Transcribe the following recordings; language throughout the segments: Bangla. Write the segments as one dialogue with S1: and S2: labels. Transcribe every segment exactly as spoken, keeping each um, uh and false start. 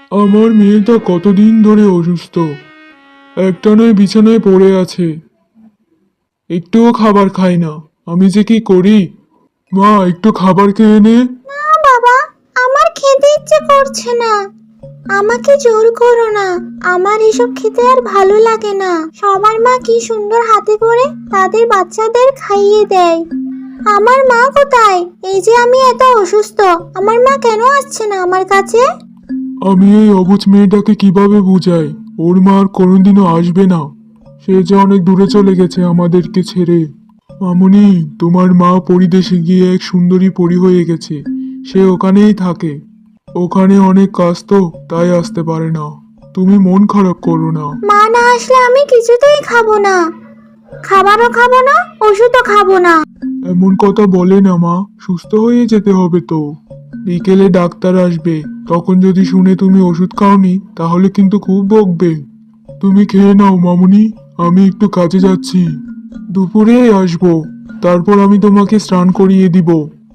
S1: আমার মেয়েটা কতদিন ধরে অসুস্থ, একটানায় বিছানায় পড়ে আছে, একটুও খাবার খায় না। আমি যে কি করি! মা, একটু খাবার খেয়ে নে।
S2: না বাবা, আমার খেতে ইচ্ছে করছে না। আমাকে জোর করো না, আমার এসব খেতে আর ভালো লাগে না। সবার মা কি সুন্দর হাতে করে তাদের বাচ্চাদের খাইয়ে দেয়। আমার মা কোথায়? এই যে আমি এত অসুস্থ, আমার মা কেন আসছে না আমার কাছে?
S1: আমি এই অবুঝ মেয়েটাকে কিভাবে বুঝাই? ওর মা আর কোনোদিনও আসবে না। সে যে অনেক দূরে চলে গেছে আমাদেরকে ছেড়ে। মামুনি, তোমার মা পরিদেশে গিয়ে এক সুন্দরী পরী হয়ে গেছে। সে ওখানেই থাকে। ওখানে অনেক কাজ তো, তাই আসতে পারে না। তুমি মন খারাপ করো না।
S2: মা না আসলে আমি কিছুতেই খাবো না, খাবারও খাবো না, ওষুধও খাবো না।
S1: এমন কথা বলে না মা, সুস্থ হয়ে যেতে হবে তো। বিকেলে ডাক্তার আসবে, তখন যদি শুনে তুমি ওষুধ খাওনি তাহলে কিন্তু খুব বকবে। তুমি খেয়ে নাও মামুনি, আমি একটু কাজে যাচ্ছি। দুপুরে আসবো, তারপর আমি তোমাকে স্নান করিয়ে দিব।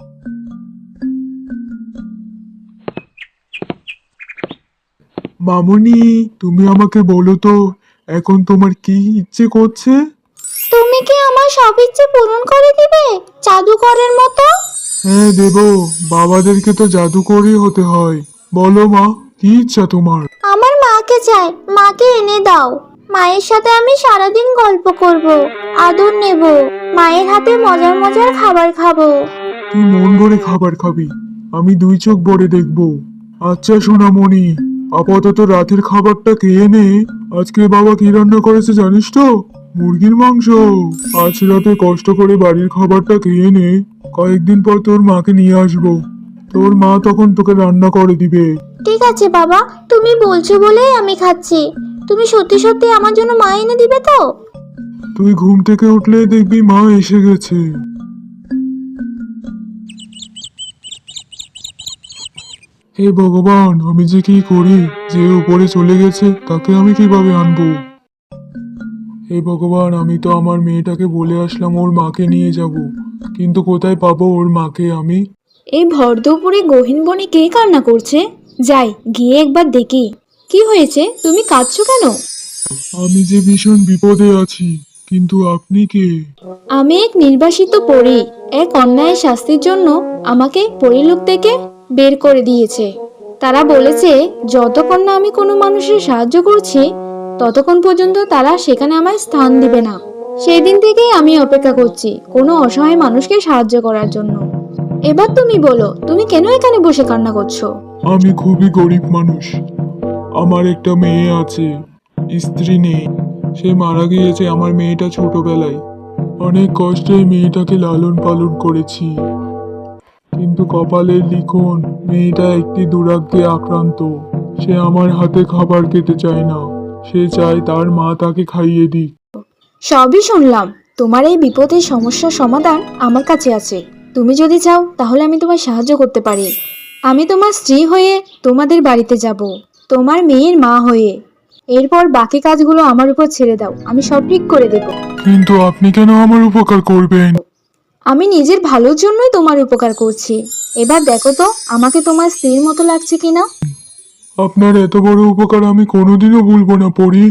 S1: মামুনি, তুমি আমাকে বলো তো, এখন তোমার কি ইচ্ছে করছে?
S2: তুমি কি আমার সব ইচ্ছে পূরণ করে দিবে, জাদুকরের মতো?
S1: হ্যাঁ দেব, বাবাদেরকে তো জাদুকরই হতে হয়। বলো মা, কি ইচ্ছা তোমার?
S2: আমার মাকে চাই, মাকে এনে দাও। মায়ের সাথে আমি সারাদিন গল্প করব, আদর নেব, মায়ের হাতে মজার মজার খাবার খাবো।
S1: তুই মন ভরে খাবার খাবি, আমি দুই চোখ ভরে দেখবো। আচ্ছা সোনামণি, আপাতত রাতের খাবারটা খেয়ে নে। আজকে বাবা কি রান্না করেছে জানিস তো? মুরগির মাংস। আজ রাতে কষ্ট করে বাড়ির খাবারটা খেয়ে নে, কয়েকদিন পর তোর মাকে নিয়ে আসবো। তোর মা তখন তোকে রান্না করে দিবে।
S2: ঠিক আছে বাবা, তুমি বলছো বলেই আমি খাচ্ছি। তুমি সত্যি সত্যি আমার জন্য মা এনে দিবে তো?
S1: তুই ঘুম থেকে উঠলে দেখবি মা এসে গেছে। হে ভগবান, আমি যে কি করি! যে উপরে চলে গেছে তাকে আমি কিভাবে আনবো? হে ভগবান, আমি তো আমার মেয়েটাকে বলে আসলাম ওর মাকে নিয়ে যাব, কিন্তু কোথায় পাবো ওর মাকে আমি?
S3: এই ভর দুপুরে গহীন বনে কে কান্না করছে? যাই গিয়ে একবার দেখি। কি হয়েছে, তুমি কাঁদছো কেন?
S1: আমি যে ভীষণ বিপদে আছি, কিন্তু আপনি কে?
S3: আমি এক নির্বাসিত পরী। এক অন্যায়ের শাস্তির জন্য আমাকে পরীলোক থেকে বের করে দিয়েছে। তারা বলেছে যতক্ষণ না আমি কোনো মানুষের সাহায্য করছি ততক্ষণ পর্যন্ত তারা সেখানে আমায় স্থান দিবে না। সেই দিন থেকেই আমি অপেক্ষা করছি কোনো অসহায় মানুষকে সাহায্য করার জন্য। এবার তুমি বলো, তুমি কেন এখানে বসে কান্না করছো?
S1: আমি খুবই গরিব মানুষ। আমার একটা মেয়ে আছে, স্ত্রী নেই। সে মারা গিয়েছে আমার মেয়েটা ছোটবেলায়। অনেক কষ্টে মেয়েটাকে লালন পালন করেছি, কিন্তু কপালের লিখন, মেয়েটা একটি দুরাগ্যে আক্রান্ত। সে আমার হাতে খাবার খেতে চায় না, সে চায় তার মা তাকে খাইয়ে দিক।
S3: সবই শুনলাম। তোমার এই বিপদের সমস্যার সমাধান আমার কাছে আছে। তুমি যদি চাও তাহলে আমি তোমার সাহায্য করতে পারি। আমি তোমার স্ত্রী হয়ে তোমাদের বাড়িতে যাব, তোমার মেয়ের মা হয়ে। এরপর বাকি কাজগুলো আমার উপর ছেড়ে দাও, আমি সব ঠিক করে দেব।
S1: কিন্তু আপনি কেন আমার উপকার করবেন?
S3: আমি নিজের ভালোর জন্যই তোমার উপকার করছি। এবার দেখো তো আমাকে তোমার স্ত্রীর মতো লাগছে কিনা।
S1: আপনার এত বড় উপকার আমি কোনোদিনও ভুলবো না পরি।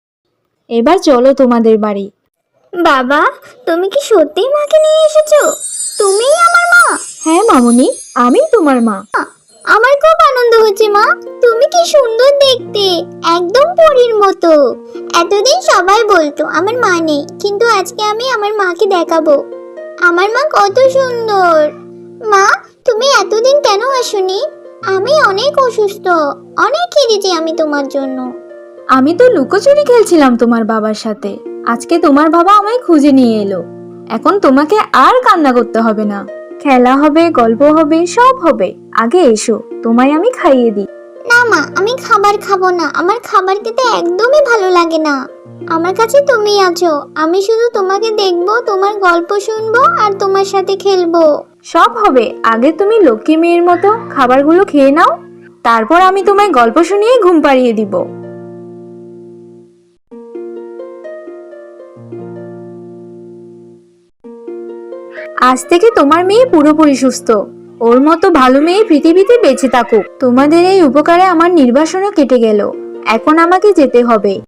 S3: এবার চলো তোমাদের বাড়ি।
S2: বাবা, তুমি কি সত্যিই মাকে নিয়ে এসেছো? তুমিই আমার মা?
S3: হ্যাঁ মামুনি, আমি তোমার মা।
S2: আমার খুব আনন্দ হচ্ছে মা। তুমি কি সুন্দর দেখতে, একদম পরীর মতো। এতদিন সবাই বলতো আমার মা নেই, কিন্তু আজকে আমি আমার মাকে দেখাবো আমার মা কত সুন্দর। মা, তুমি এতদিন কেন আসোনি? আমি অনেক অসুস্থ, অনেক কেঁদেছি আমি তোমার জন্য।
S3: আমি তো লুকোচুরি খেলছিলাম তোমার বাবার সাথে। আজকে তোমার বাবা আমায় খুঁজে নিয়ে এলো। এখন তোমাকে আর কান্না করতে হবে না। খেলা হবে, গল্প হবে, সব হবে। আগে এসো, তোমায় আমি খাইয়ে দিই।
S2: না মা, আমি খাবার খাবো না, আমার খাবার খেতে একদমই ভালো লাগে না। আমার কাছে তুমি আছো, আমি শুধু তোমাকে দেখবো, তোমার গল্প শুনবো আর তোমার সাথে খেলবো।
S3: সব হবে, আগে তুমি লক্ষ্মী মেয়ের মতো খাবারগুলো খেয়ে নাও, তারপর আমি তোমায় গল্প শুনিয়ে ঘুম পাড়িয়ে দিব। আজ থেকে তোমার মেয়ে পুরোপুরি সুস্থ। ওর মতো ভালো মেয়ে পৃথিবীতে বেঁচে থাকুক। তোমাদের এই উপকারে আমার নির্বাসনও কেটে গেল। এখন আমাকে যেতে হবে।